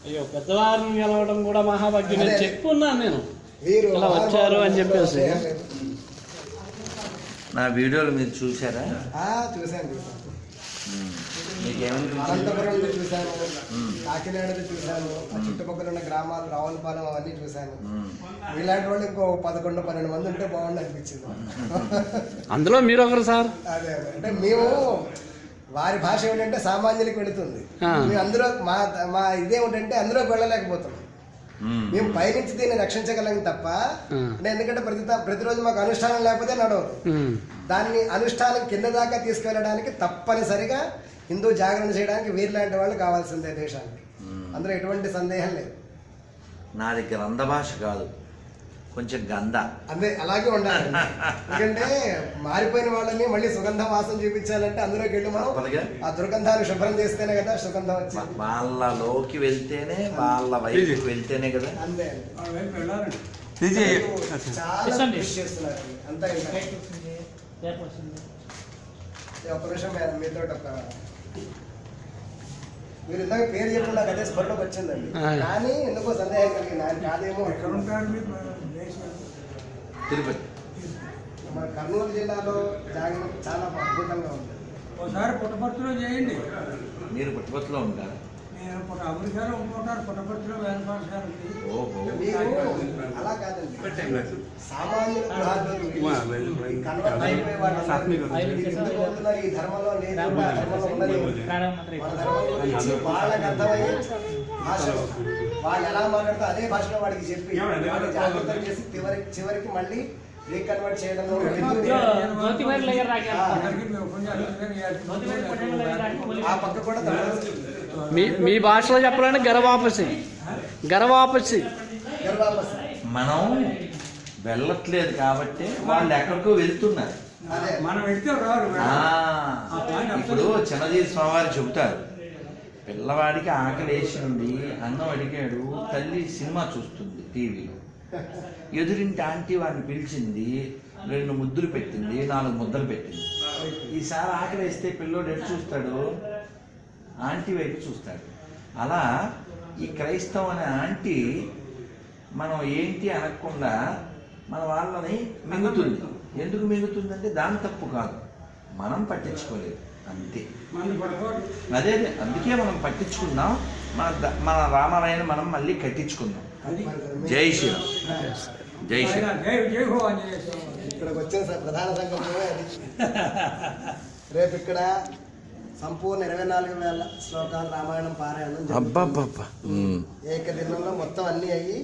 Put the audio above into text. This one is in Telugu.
అయ్యో పెద్దవారిని గెలవడం కూడా మహాభాగ్యం. నేను చెప్పున్నాను నేను ఇలా వచ్చారు అని చెప్పేసి. నా వీడియోలు మీరు చూసారా? చూశాను. మీకేమనిపించింది? చూశాను, కాకినాడది చూశాను, చుట్టుపక్కల ఉన్న గ్రామాలు రావులపాలెం అవన్నీ చూశాను. ఇలాంటి వాళ్ళు ఇంకో 11-12 మంది ఉంటే బాగుంది అనిపించింది. అందులో మీరు ఒకరు సార్. అదే అంటే మేము వారి భాష ఏమిటంటే సామాన్యులకు వెళుతుంది. మేము అందులో మా ఇదేమిటంటే అందులోకి వెళ్ళలేకపోతున్నాం. మేము పైనుంచి దీన్ని రక్షించగలం తప్ప, ఎందుకంటే ప్రతిరోజు మాకు అనుష్ఠానం లేకపోతే నడవదు. దాన్ని అనుష్ఠానం కింద దాకా తీసుకెళ్ళడానికి తప్పనిసరిగా హిందూ జాగరణ చేయడానికి వీరిలాంటి వాళ్ళు కావాల్సిందే దేశానికి. అందులో ఎటువంటి సందేహం లేదు. నాది గ్రంథ భాష కాదు, కొంచెం గంధ. అదే అలాగే ఉండాలి. ఎందుకంటే మారిపోయిన వాళ్ళని మళ్ళీ సుగంధ వాసన చూపించాలంటే అందులోకి వెళ్ళి మనం ఆ దుర్గంధాన్ని శుభ్రం చేస్తేనే కదా సుగంధం వచ్చింది. వాళ్ళలోకి వెళ్తేనే, వాళ్ళ వైపు వెళ్తేనే కదా. అంతే చాలా కృషి చేస్తున్నారు. అంతా ఒక్క నిమిషం మీతో మీరు ఇందాక పేరు చెప్పిన నాకు అదే స్పర్లోకి వచ్చిందండి. కానీ ఎందుకో సందేహం కలిగింది. ఆయన కాదేమో. ఎక్కడ ఉంటారు మీరు? తిరుపతి. మన కర్నూలు జిల్లాలో జాగరణ చాలా అద్భుతంగా ఉంది. ఒకసారి పుట్టపర్తిలో చేయండి. మీరు పుట్టపర్తిలో ఉంటారు? నేను అమెరికాలో ఉంటున్నారు. పుట్టపర్తిలో వేలపాఠశాల ఉంది. అలా కాదండి, సామాన్యులు ఈ ధర్మంలో లేదు, వాళ్ళకి అర్థమయ్యే భాష వాళ్ళు ఎలా మాట్లాడుతూ అదే భాషలో వాడికి చెప్పి జాగ్రత్తలు చేసి చివరికి మళ్ళీ రీకన్వర్ట్ చేయడం. ఆ పక్క కూడా మీ భాషలో చెప్పాలంటే గర్వాపసి. మనం వెళ్ళట్లేదు కాబట్టి వాళ్ళు ఎక్కడికో వెళ్తున్నారు. మనం వెళ్తే రారు. ఇప్పుడు చిన్నజీవి స్వామివారు చెబుతారు, పిల్లవాడికి ఆకలి వేసింది, అన్నం అడిగాడు, తల్లి సినిమా చూస్తుంది టీవీలో. ఎదురింటి ఆంటీ వాడిని పిలిచింది, 2 ముద్దులు పెట్టింది, 4 ముద్దలు పెట్టింది. ఈసారి ఆకలి వేస్తే పిల్లోడు ఎటు చూస్తాడు? ఆంటీ వైపు చూస్తాడు. అలా ఈ క్రైస్తవం అనే ఆంటీ మనం ఏంటి అనకుండా మన వాళ్ళని మింగుతుంది. ఎందుకు మింగుతుందంటే దాని తప్పు కాదు, మనం పట్టించుకోలేదు అంతే. అదే అందుకే మనం పట్టించుకుందాం. మన రామాలయాన్ని మనం మళ్ళీ కట్టించుకుందాం. జై శ్రీరామ్. జై శ్రీరామ్. ఇక్కడికి వచ్చిన ప్రధాన సంకల్పమే అది. రేపు ఇక్కడ సంపూర్ణ 24,000 శ్లోకాలు రామాయణం పారాయణం ఏకదినంలో మొత్తం అన్ని అయ్యి